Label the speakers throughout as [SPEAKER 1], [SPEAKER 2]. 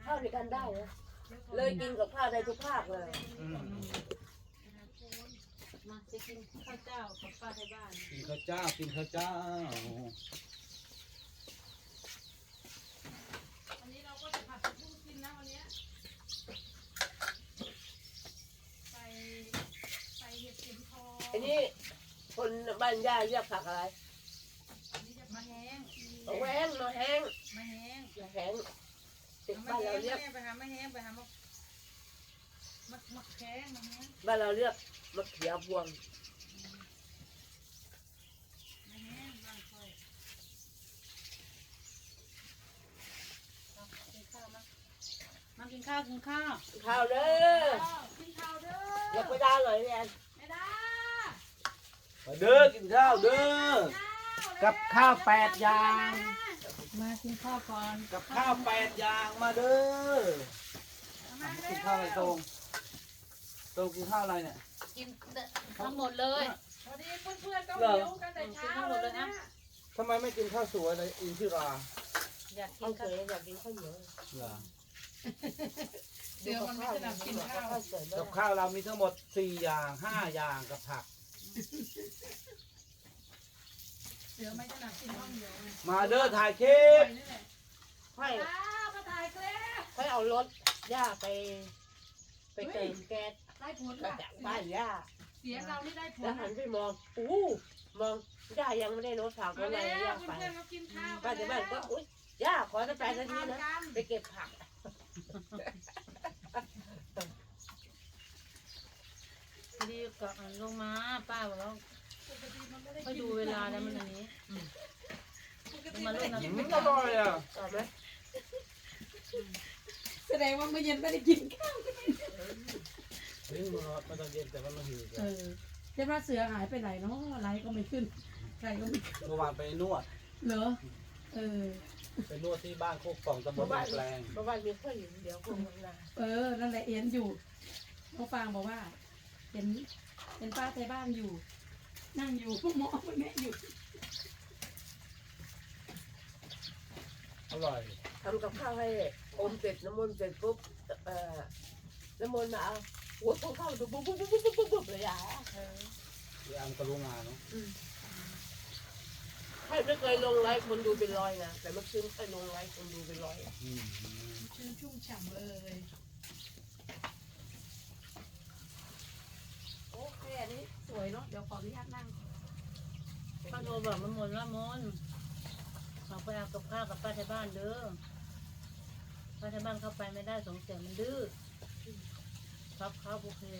[SPEAKER 1] ข้าวในกันได้นะเลยกินกับข้าวได้ทุกภาคเลย
[SPEAKER 2] มาจะกินข้าวเจ้ากับป้าที่บ้าน
[SPEAKER 3] กินข้าวเจ้ากินข้าวเจ้า
[SPEAKER 2] วันนี้เราก็จะผัดผักบุ้งกินนะวันนี้ใส่เห็ดเข็มทอง
[SPEAKER 1] อันนี้คนบ้านย่าเรียกผักอะไร
[SPEAKER 2] อันนี้จะมาแห้ง
[SPEAKER 1] แหวงมาแห้ง
[SPEAKER 2] มาแห้ง
[SPEAKER 1] มาแห้งติด
[SPEAKER 2] มา
[SPEAKER 1] บ้าน
[SPEAKER 2] แห้
[SPEAKER 1] เรา
[SPEAKER 2] ง
[SPEAKER 1] เรียก
[SPEAKER 2] ไปหามาแห้งไปหามาแข้งมาแห้ง
[SPEAKER 1] บ้านเราเรียกมะเขือพวง
[SPEAKER 2] มาแห้งบ้างค่อยกินข้าวมากินข้าวกินข้าว
[SPEAKER 1] ข้าวเด้อ
[SPEAKER 2] กินข้าวเด้อ
[SPEAKER 1] อยากไปดาวหน่อยแอน
[SPEAKER 2] ไม่ได้
[SPEAKER 3] มาเด้อกินข้าวเด้อกับข้าว8อย่าง
[SPEAKER 2] มากินข้าวก่อน
[SPEAKER 3] กับข้าว8อย่างมาเด้อกินข้าวอะไรตรงกินข้าวอะไรเนี่ย
[SPEAKER 2] กินทั้งหมดเลยพอดีเพื่อนๆก็หิวกันแต่เช้าเลยนะ
[SPEAKER 3] ทำไมไม่กินข้าวสวยเลยอินทิรา
[SPEAKER 2] อยากกิ
[SPEAKER 1] ข้าวน เส
[SPEAKER 2] ข้าวย
[SPEAKER 1] อยากกินข้าวเหนียว
[SPEAKER 3] เหรอ
[SPEAKER 2] เดี๋ยวมันไม่ถนัดกินข้าว
[SPEAKER 1] ข้าวเสย
[SPEAKER 3] กับข้าวเรามีทั้งหมด4อย่าง5อย่างกับผัก
[SPEAKER 2] เดี๋ยวไม่ถนัดกินข้าวเหนียวไง
[SPEAKER 3] มาเด้อถ่ายคลิป
[SPEAKER 2] นี่แหละ
[SPEAKER 1] ค่อย
[SPEAKER 2] มาถ่ายคลิป
[SPEAKER 1] ค่อยเอารถย่าไปเติมแก๊ส
[SPEAKER 2] ได้ผล
[SPEAKER 1] มา
[SPEAKER 2] ค่ะ
[SPEAKER 1] จากบ้านย่า
[SPEAKER 2] เสียงเรานี่ได้ผล
[SPEAKER 1] แล้วหันไปมองมองย่ายังไม่ได้รถผัก
[SPEAKER 2] มา
[SPEAKER 1] อะไร
[SPEAKER 2] แล้ว
[SPEAKER 1] ย่าไป
[SPEAKER 2] เพื่อนๆมากินข้าว
[SPEAKER 1] ป้าจะบ้านก็อุ้ยย่าขอจะไปทันทีนะไปเก็บผัก
[SPEAKER 2] ดีกับลงมาป้าบอกว่าก็ดูเวลาแล้วมันอันนี้มาลูกนะ
[SPEAKER 3] อร่อยอ่ะ
[SPEAKER 1] ต่อไหม
[SPEAKER 4] แสดงว่าเมื่อเย็นไม่ได้กินข้าว
[SPEAKER 3] นี่มันไม่ต้องเย็นแต่ว่ามันหิว
[SPEAKER 4] เจ้าว่าเสือหายไปไหนเนาะไลฟ์ก็ไม่ขึ้นใครก็ไม่ขึ้น
[SPEAKER 3] เมื่อวานไปนวด
[SPEAKER 4] เหรอ
[SPEAKER 3] ไปนวดที่บ้านโคกป่องตำบลแปลง
[SPEAKER 1] เมื่อวานมีข้าวเหนียวเดี๋ยวคงทำงาน
[SPEAKER 4] นั่นแหละเอ็นอยู่น้องฟางบอกว่าเห็นป้าไทยบ้านอยู่ นั่งอยู่พวกหมอพวกนี้อยู่
[SPEAKER 3] อร่อย
[SPEAKER 1] ทำกับข้าวให้อมเสร็จน้ำมนต์เสร็จปุ๊บน้ำมนต์มาเอาหัวต้องเข้าดูปุ๊บเลยอ่ะ
[SPEAKER 3] ที่อังกะลุงาเนาะ
[SPEAKER 1] ใครไม่เคยลงไลฟ์คนดูเป็นร้อยนะแต่เมื่อคืนไปลงไลฟ์คนดูเป็นร้อย
[SPEAKER 4] ชื่นชุ่มฉ่ำเลย โอเคอันนี้สวยเนาะเดี๋ยวขออนุญาตนั่ง
[SPEAKER 2] ป้าโทรบอกมามนว่ามนเอาไปเอากับข้าวกับป้าที่บ้านเด้อป้าที่บ้านเข้าไปไม่ได้สงสัยมันดื้อครับโอเค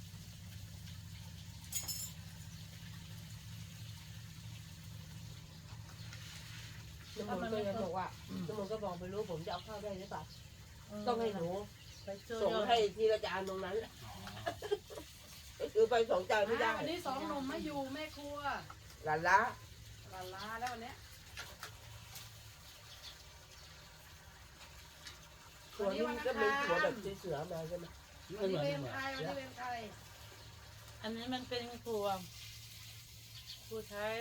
[SPEAKER 1] น้ำมนต์ก็ยังบอกว่าน้ำมนต์ก็บอกไม่รู้ผมจะเอาข้าวได้หรือเปล่าต้องให้หนู
[SPEAKER 2] ไปช่วย
[SPEAKER 1] ส่งให้ทีละจานตรงนั้นคือไป2 จานไม่ได้
[SPEAKER 4] วันนี้2 หนุ่มไม่อยู่แม่ครัว
[SPEAKER 1] หลานละ
[SPEAKER 4] ลาลาแล้ววันนี้
[SPEAKER 1] ส่วนนี้ก็เป็นหัวแบบเสือมาใช่ไหม
[SPEAKER 4] วันนี้เวรใครวันนี้เวรใคร
[SPEAKER 2] อันนี้มันเป็นครัวไทย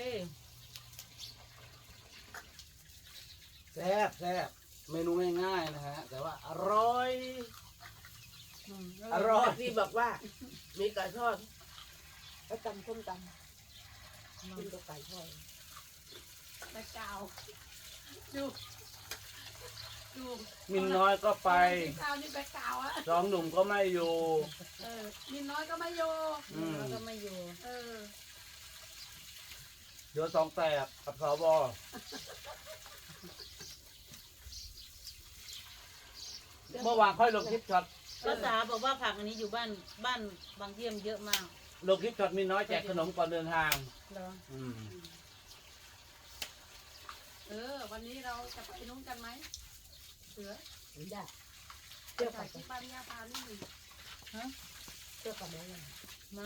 [SPEAKER 3] แซ่บเมนูง่ายๆนะฮะแต่ว่าอร่อยอร่อย
[SPEAKER 1] ที่บอกว่ามีไก่ทอดแล้วตำส้มตำกินกับไก่ทอด
[SPEAKER 4] แม่กาวดูดู
[SPEAKER 3] มินน้อยก็ไป
[SPEAKER 4] กาวนี่แม่กาวอะ
[SPEAKER 3] 2 หนุ่มก็ไม่อยู่
[SPEAKER 4] มินน้อยก็ไม่โย
[SPEAKER 2] แล้วก็ไม่อยู่
[SPEAKER 3] เดี๋ยว2 แตกกับสบเมื่อวานค่อยลงคลิปช็อต
[SPEAKER 2] ภาษาบอกว่าผักอันนี้อยู่บ้านบางเยี่ยมเยอะมาก
[SPEAKER 3] ลงคลิปช็อตมินน้อยแจกขนมก่อนเดินทาง
[SPEAKER 2] เหรอ
[SPEAKER 4] วันนี้เราจะไปนุ่งกันไหมเสือ
[SPEAKER 1] ไม่ได้
[SPEAKER 4] เดี๋ยวไปที่บ้านย่าพานี่หนึ่ง
[SPEAKER 1] เจ้ากับแม่
[SPEAKER 2] มา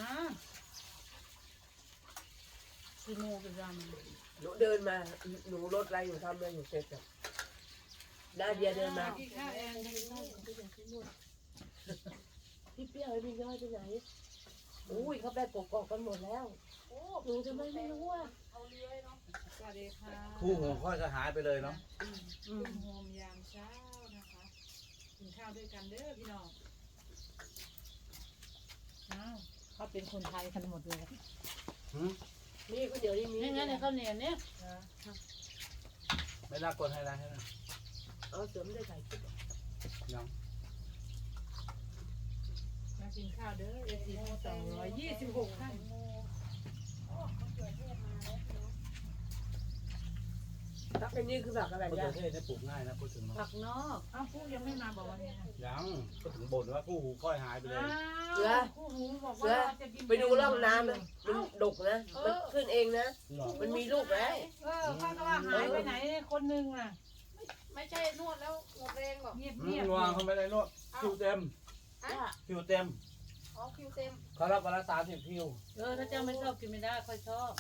[SPEAKER 2] กี่โมงกี่ยาม
[SPEAKER 1] หนูเดินมาหนูรถอะไรอยู่ทำอะไรอยู่เสร็จอ่ะนาเดียเดินมา
[SPEAKER 4] กินข้าวเอง
[SPEAKER 1] พี่เปี้ยวไอ้พี่ย้อยไปไหนอุ้ยเขาไปกอกกันหมดแล้วหนูทำไมไม่รู้อ่ะ
[SPEAKER 4] เอาเลื้อยเนาะสวัสดีค่ะ
[SPEAKER 3] คู่หัวค่อยก็หายไปเลยเนาะ
[SPEAKER 4] โฮมยามเช้านะคะนข้าวด้วยกันเด้อพี่น้อง
[SPEAKER 5] อ้าวเขาเป็นคนไทยกันหมดเลย
[SPEAKER 3] หืม
[SPEAKER 1] นี่ก๋วยเตี๋ยวนี่มี
[SPEAKER 2] นี่ไงในข้าวเหนียวเนี่ย
[SPEAKER 3] ไม่น่ากดให้นะให้นะ
[SPEAKER 1] เอาเสริมได้ใส่ชุด
[SPEAKER 3] ยัง
[SPEAKER 4] มากินข้าวเด้อเอฟซี226ท่าน
[SPEAKER 1] ตักอันนี้คือผักอะไร
[SPEAKER 3] มะเขื
[SPEAKER 1] เนี่
[SPEAKER 3] อย เทศเนี่ยปลูกง่ายนะพูดถึงเนาะ
[SPEAKER 2] ผักนอก
[SPEAKER 4] อ้าวผู้ยังไม่มาบอกวันนี้นะ
[SPEAKER 3] ยังก็ถึงบ่นว่าคู่หูค่อยหายไปเลย
[SPEAKER 4] คู่หูบอกว่าเราจะกิน
[SPEAKER 1] ไปดูร่องน้ำนะมันดกนะมันขึ้นเองนะ
[SPEAKER 3] หรอ
[SPEAKER 1] มันมีลูกแล้ว
[SPEAKER 4] ข้าก็ว่าหายไปไหนคนนึงน่ะ
[SPEAKER 5] ไม่ใช่นวดแล้วหมดแรงบอก
[SPEAKER 4] เงียบ
[SPEAKER 3] อื
[SPEAKER 4] เงียบ
[SPEAKER 3] มวางเขาไม่ได้นวดคิวเต็มคิวเต็ม
[SPEAKER 5] อ๋อคิวเต็ม
[SPEAKER 3] เขารับวันละ30 คิว
[SPEAKER 2] ถ้าเจ้าไม่ชอบกินไม่ได้ค่อยชอบ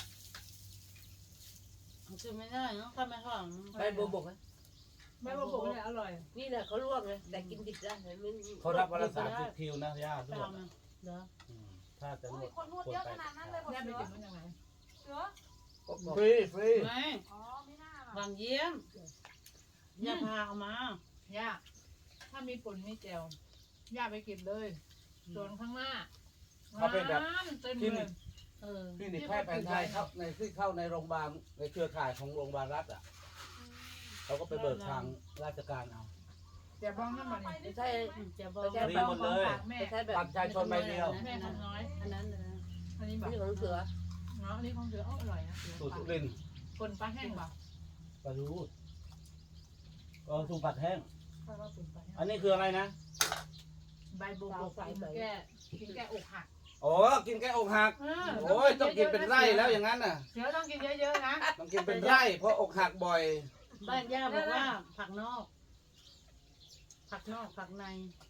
[SPEAKER 2] กินไม่ได้เนาะข้าไม่ชอบ
[SPEAKER 1] ใบบัวบกนะ
[SPEAKER 4] แม่บอกเนี่ยอร่อย
[SPEAKER 1] นี่แหละเขาลวกนะแต่กินดิบได้มัน
[SPEAKER 3] เขารับวันละ30 คิวนะย่าด้ว
[SPEAKER 2] ตาย มนะเด้อ
[SPEAKER 3] ถ้าจะน
[SPEAKER 5] อุ้
[SPEAKER 3] วย ด
[SPEAKER 5] คนนวดเยอะขนาดนั้นเลยบอก
[SPEAKER 4] แม่ไป
[SPEAKER 5] เสือ
[SPEAKER 4] เก็บมันยังไง
[SPEAKER 5] เสือ
[SPEAKER 3] ฟรีฟรี
[SPEAKER 2] ไม่
[SPEAKER 5] อ๋อไม่น่าล่ะ
[SPEAKER 2] วางเยี่ยมอย่าพาเอามา
[SPEAKER 4] ย่าถ้ามีผลมีแจวย่าไปเก็บเลยส่วนข้างหน้าเต็ม
[SPEAKER 3] คลิ
[SPEAKER 4] เล
[SPEAKER 3] นิ
[SPEAKER 4] ย
[SPEAKER 3] ก
[SPEAKER 2] เ
[SPEAKER 3] คลินิกแพทย์แผนไทยเข้าในที่เข้าในโรงพยาบาลในเครือข่ายของโรงพยาบาลรัฐอ่ะเขาก็ไปเบิกทางราชการเอา
[SPEAKER 4] แต่บ้องนั่นมาเนี่ย
[SPEAKER 1] ไม่ใช่
[SPEAKER 2] จะบอก
[SPEAKER 3] ฟรีหมดเลย
[SPEAKER 4] แม่
[SPEAKER 1] ไม่ใช่แบบ
[SPEAKER 3] บัตรประชาชนใบเดียว
[SPEAKER 4] แม่ทำน้อย
[SPEAKER 2] อันนั้นนะ
[SPEAKER 4] อันนี้แบบ
[SPEAKER 1] นี่ของเสือ
[SPEAKER 4] เนาะอันนี้ของเสืออร่อยนะ
[SPEAKER 3] สูตรสุรินทร์
[SPEAKER 4] คนปลาแห้งเปล่า
[SPEAKER 3] ปลาทูสูตรผัดแห้ง
[SPEAKER 4] ถ้าว่าเป็นปลาแห้ง
[SPEAKER 3] อันนี้คืออะไรนะ
[SPEAKER 4] ใบบัวบกกินแก้อกหัก
[SPEAKER 3] โอ้กินแค่อกหัก โอ้ยต้องกินเป็นไร่แล้วอย่างนั้นน่ะ
[SPEAKER 4] เสือต้องกินเยอะๆนะ
[SPEAKER 3] ต้องกินเป็นไร่เพราะอกหักบ่อย
[SPEAKER 2] บ้านย่าบอกว่าผักนอก ผักนอกผักใน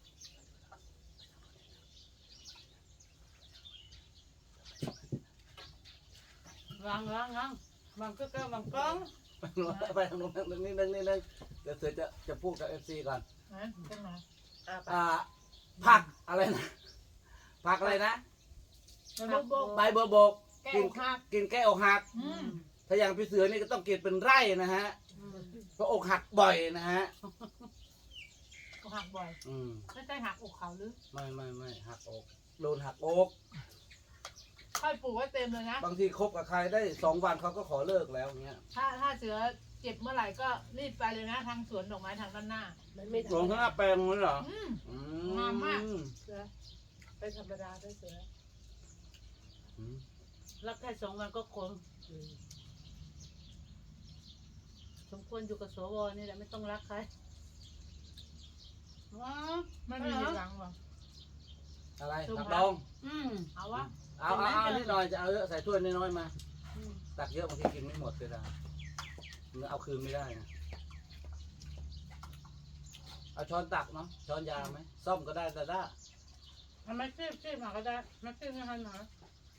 [SPEAKER 2] วางวางก็วางกล้อง
[SPEAKER 3] ไปทางโน้นนิดนึงเดี๋ยวเสือจะพูดกับ FC ก่อน
[SPEAKER 4] นะตรงไหน
[SPEAKER 3] ผักอะไรนะผักอะไรนะ
[SPEAKER 4] ใบบัวบก
[SPEAKER 3] ใบบัวบก
[SPEAKER 4] แก้
[SPEAKER 3] กิน
[SPEAKER 4] อกหัก
[SPEAKER 3] กินแก้อกหัก ถ้าอย่างพี่เสือนี่ก็ต้องกินเป็นไร่นะฮะเพราะอกหักบ่อยนะฮะ
[SPEAKER 4] อกหักบ่อย
[SPEAKER 3] อืม
[SPEAKER 4] ไม่ใช่หักอกเขาหรือ
[SPEAKER 3] ไม่หักอกโดนหักอก
[SPEAKER 4] ค่อยปลูกไว้เต็มเลยนะ
[SPEAKER 3] บางทีคบกับใครได้2 วันเขาก็ขอเลิกแล้วเงี้ย
[SPEAKER 4] ถ้าเสือเจ็บเมื่อไหร่ก็รีบไปเลยนะทางสวนดอกไม้ทางด้านหน้า
[SPEAKER 1] มันไม่
[SPEAKER 3] หลวงข้างหน้าแปลงนั้นเหรอ อื
[SPEAKER 4] งามมาก
[SPEAKER 1] เสือไปธรรมดาไปเสือ
[SPEAKER 3] อืม
[SPEAKER 2] รักแค่2 วันก็คงสมควรอยู่กับสวนี่แหละไม่ต้องรักใครว้า
[SPEAKER 4] ไม่มีหลังหรอ
[SPEAKER 3] อะไรผักดอง
[SPEAKER 4] เอาวะ
[SPEAKER 3] เอานิดหน่อยจะเอาเยอะใส่ถ้วยน้อยๆมา ตักเยอะบางทีกินไม่หมดเลยนะเอาคืนไม่ได้นะเอาช้อนตักเนาะช้อนยาวไหมซ่อมก็ได้แต่ได้
[SPEAKER 2] ทำไมซีบมาก็ได้ไม่ซีบไม่ทันหรอ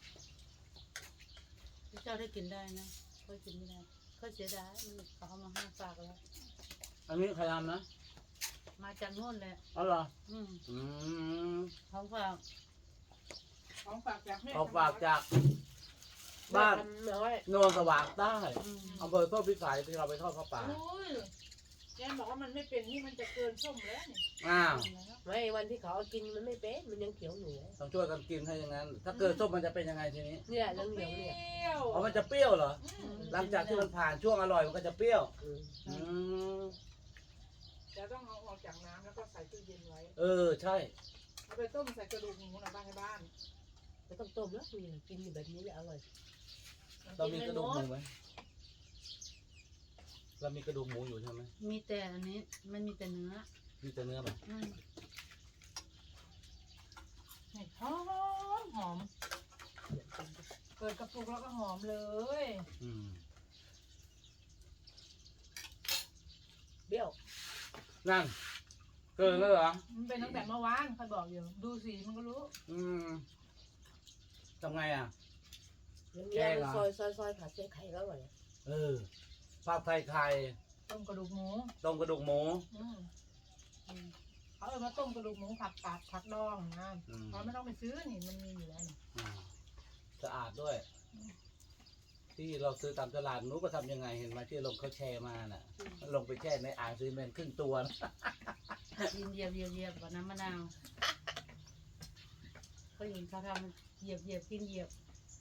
[SPEAKER 2] พี่เจ้าได้กินได้นะค่อยกินไม่ได้ค่อยเสียดายมันเขาเอามาให้ฝากแล้ว
[SPEAKER 3] อันนี้ใครทำนะ
[SPEAKER 2] มาจากโน่นเลย
[SPEAKER 3] อ๋อเหรอ
[SPEAKER 2] อืม
[SPEAKER 3] อืม
[SPEAKER 2] ของฝาก
[SPEAKER 4] ของฝากจากแม่
[SPEAKER 3] เขาฝากจากบ้าน
[SPEAKER 1] น้อย
[SPEAKER 3] โนนสว่างใต้
[SPEAKER 2] อืม
[SPEAKER 3] อำเภอโซ่พิสัยที่เราไปทอดข้าวป่า
[SPEAKER 4] อุ้ยแกบอกว่ามันไม่เป็นนี่มันจะเกินส้มแล้วนี่
[SPEAKER 3] อ้าว
[SPEAKER 1] ไม่วันที่เขาเอากินมันไม่เป็นมันยังเขียวอยู่เลย
[SPEAKER 3] ต้องช่วยกันกินให้อย่างนั้น ถ้าเกิดส้มมันจะเป็นยังไงทีนี้
[SPEAKER 1] เนี่ยเรื่องเหนียวเนี่ย
[SPEAKER 4] ว
[SPEAKER 3] อ๋อมันจะเปรี้ยวเหรอ หลังจากที่มันผ่านช่วงอร่อยมันก็จะเปรี้ยว อืม
[SPEAKER 4] จะต้องเอาออกจากน้ำแล้วก็ใส่ตู้เย็นไว้
[SPEAKER 3] ใช่
[SPEAKER 4] เอาไปต้มใส่กระดูกหมูนะบ้านให้บ้าน
[SPEAKER 1] ไม่ต้องต้มแล้วกินอยู่แบบนี้แหละอร่อย
[SPEAKER 3] เรามีกระดูกหมูไหมเรามีกระดูกหมูอยู่ใช่ไหม
[SPEAKER 2] มีแต่อันนี้มันมีแต่เนื้อ
[SPEAKER 3] มีแต่เนื้อไหม
[SPEAKER 2] อืม
[SPEAKER 4] หอมหอมเปิดกระปุกแล้วก็หอมเลย
[SPEAKER 3] อืม
[SPEAKER 1] เบี้ยว
[SPEAKER 3] นั่น เกินแล้วเหรอ
[SPEAKER 4] มันเป็นตั้งแต่เมื่อวานใครบอกอยู่ดูสีมันก็รู้
[SPEAKER 3] อืมทำไงอ่ะ
[SPEAKER 1] อย่างเงี้ยมันซอยผัดเส้นไข่ก็อร่อย
[SPEAKER 3] ผัดไทยไข่
[SPEAKER 4] ต้มกระดูกหมู
[SPEAKER 3] ต้มกระดูกหมู
[SPEAKER 4] เขาเอามาต้มกระดูกหมูผัดปาดผัดดองนะ
[SPEAKER 3] อืม
[SPEAKER 4] เขาไม่ต้องไปซื้อนี่มันมีอยู่แล้วนี่
[SPEAKER 3] สะอาดด้วยที่เราซื้อตามตลาดหนูก็ทำยังไงเห็นไหมที่ลงเขาแชร์มาน่ะลงไปแช่ในอ่างซีเมนต์ครึ่งตัวนะ
[SPEAKER 2] เหยียบกับน้ำมะนาวก็เห็นเขาทำเหยียบกินเหยียบ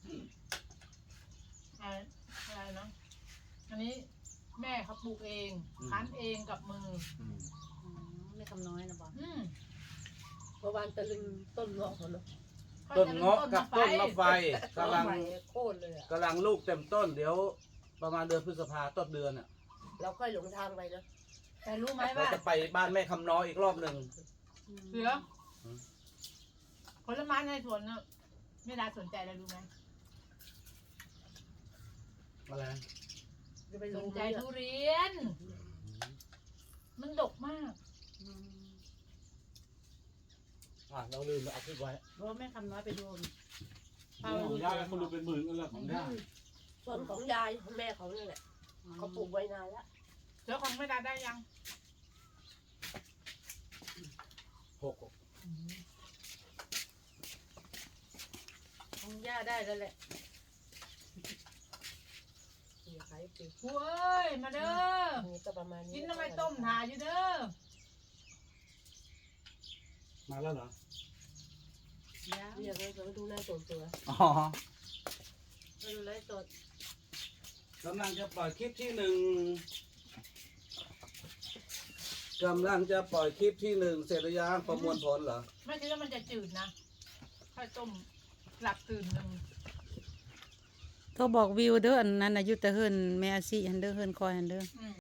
[SPEAKER 6] อะไรนะอันนี้แม่เขาปลูกเองคั้นเองกับมือ
[SPEAKER 2] ไม่คำน้อยนะบอก
[SPEAKER 1] เมื่อวานตะลึงต้นเงาะเขาเนาะ
[SPEAKER 3] ต้นเงาะกับต้นมะไฟกำลัง
[SPEAKER 1] ใหม่โค่นเลยอ่ะ
[SPEAKER 3] กำลังลูกเต็มต้นเดี๋ยวประมาณเดือนพฤษภาต้นเดือนอ่ะ
[SPEAKER 1] เราค่อยหลงทางไปนะ
[SPEAKER 6] แต่รู้ไหม
[SPEAKER 3] เรา
[SPEAKER 6] ว่า
[SPEAKER 3] จะไปบ้านแม่คำน้อยอีกรอบหนึ่ง
[SPEAKER 6] เสือผลไม้ในสวนน่ะไม่ได้สนใจอะไรรู้ไหม
[SPEAKER 3] อะไร
[SPEAKER 1] จะไป
[SPEAKER 6] ส
[SPEAKER 1] รู้
[SPEAKER 6] น
[SPEAKER 1] ไห
[SPEAKER 6] ใจ
[SPEAKER 1] ม
[SPEAKER 6] ทุเรียน มันดกมาก
[SPEAKER 3] เราลืมเอาคลิปไว้
[SPEAKER 2] เพราะแม่คำน้อยไปโดน
[SPEAKER 3] ของย่าคนดูเป็นหมื่นก็แล้วของย่า
[SPEAKER 1] ส่วนของยายของแม่เขาเนี่ยแหละเขาปลูกไว้นานแล้ว
[SPEAKER 6] เสือของไม่ได้ยัง
[SPEAKER 3] หก
[SPEAKER 2] ของย่าได้แล้วแหละ
[SPEAKER 1] นี่ขายปลูก
[SPEAKER 6] เว้ยมาเด้อ
[SPEAKER 1] นี่ก็ประมาณนี้
[SPEAKER 6] กินทำไมต้มถ่ายอยู่เด้อ
[SPEAKER 3] มาแล้วเหรอ
[SPEAKER 2] ย่า
[SPEAKER 1] เรียกเลยเขาดูหน้าตัวตัว
[SPEAKER 3] อ๋อ
[SPEAKER 2] มาดูไลฟ์สด
[SPEAKER 3] กำลังจะปล่อยคลิปที่หนึ่งกำลังจะปล่อยคลิปที่หนึ่งเสร็จหรือยังประมวลผลเหรอ
[SPEAKER 6] ไม่คิดว่ามันจะจืดนะค่อยต้มหลับตื่นหนึ่ง
[SPEAKER 2] โทรบอกวิวเด้ออันนั้นอายุแต่เฮิรนแม่อาชีหันเด้อเฮิรนคอยหันเด้อ